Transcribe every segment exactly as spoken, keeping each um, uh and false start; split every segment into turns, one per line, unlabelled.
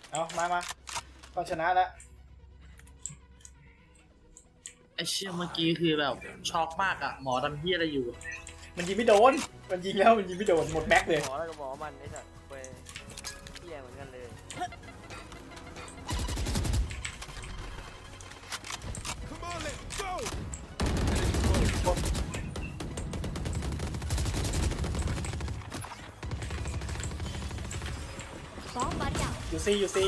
เอามามาต้องชนะแล้ว
ไอเชี่ยเมื่อกี้คือแบบช็อกมากอะหมอทำเฮียอะไรอยู่
มันยิงไม่โดนมันยิงแล้วมันยิงไม่โดนหมดแม็กเลย
หมอแล้วก็หมอมันไอ้สัตว์เว้ยเหี้ยเหมือนกันเลย
Bomb buddy out.
อยู่ซีอยู่ซี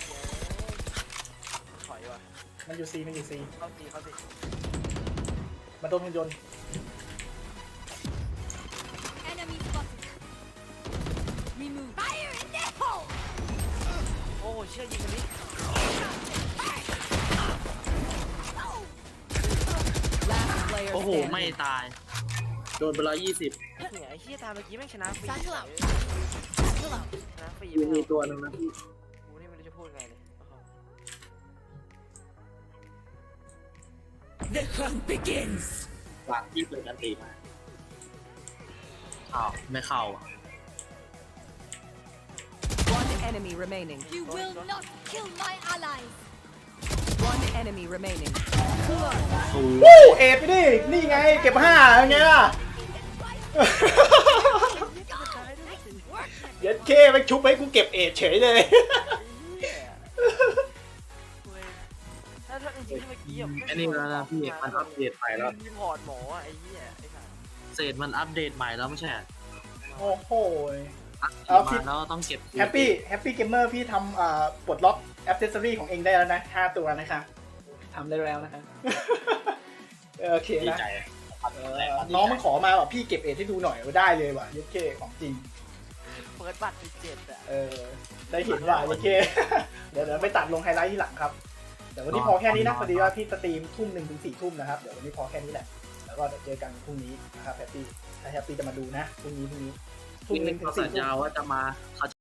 ถอยว่ะ
มันอยู่ซีมันอยู่ซี
เข้าตีเข้าตี
มันโดนหุ่นยนต์
Enemy spotted. Remove. Fire in the hole.
โอ้โหเชี่ยยิงมันดิ
Last player
โอ้โห
standing.
ไม่ตาย โดนไปร้อยยี่สิบ
เนี่ยไอ้เชี่ยตามเมื่อกี้แม่งชนะฟรี
Cycle out.
เลย
Cycle out.
ชนะฟรี
มี
ไม่
มี
เอา
ตัวหนึงนะพี่
กูนี่ไม่รู้จะพูดไงเลยโอ้โห
The hunt begins.
หลังที่เปิดกันตีมาอ้าวไม่เข้าอะ
One enemy remaining.
You will not kill my allies.
One enemy remaining.
โอ้
วู้เอฟไปดินี่ไงเก็บห้าไงล่ะ เย็ดเคไปชุบให้กูเก็บเอทเฉยเลย
ไอ้เหี้ยเว้ยถ้าถ้าจริงๆเมื่อกี้อะ
อันนี้แล้วนะพี่มันอัปเดตใหม่แล้ว
รีพอร์ตหมออะไอ้เหี้ยไอ้สัตว์
เศษมันอัปเดตใหม่แล้วไม่ใช่เหรอ
โอ้โห
อัปเด
เอา
ต
พี่
มาแล้วต้องเก็บ
แฮปปี้แฮปปี้เกมเมอร์พี่ทำอ่าปลดล็อกแอปเซสซอรี่ของเองได้แล้วนะห้าตัวนะคะทำได้แล้วนะคะ โอเค
ดี
นะ
ใจ
เออน้องมันขอมาแบบพี่เก็บเอทให้ดูหน่อยว่าได้เลยว่ะเย็ดเคของจริง
เปิดบัตรไปเจ็ดอะ
เออได้เห็นว่าเย็ดเค เดี๋ยวเดี๋ยวไปตัดลงไฮไลท์ที่หลังครับเดี๋ยววันนี้พอแค่นี้นะพอดีว่าพี่สตรีมทุ่มหนึ่งถึงสี่ทุ่มนะครับเดี๋ยววันนี้พอแค่นี้แหละแล้วก็เดี๋ยวเจอกันพรุ่งนี้นะครับแฮปปี้ถ้าแฮปปี้จะมาดูนะพรุ่งนี้พรุ่งนี้ทุ่
พี่
มห
นึ
นึ่
ก
งถึ
เขา
งสี่
สัญ
ทุ่
ญาม ว่าจะมาเขา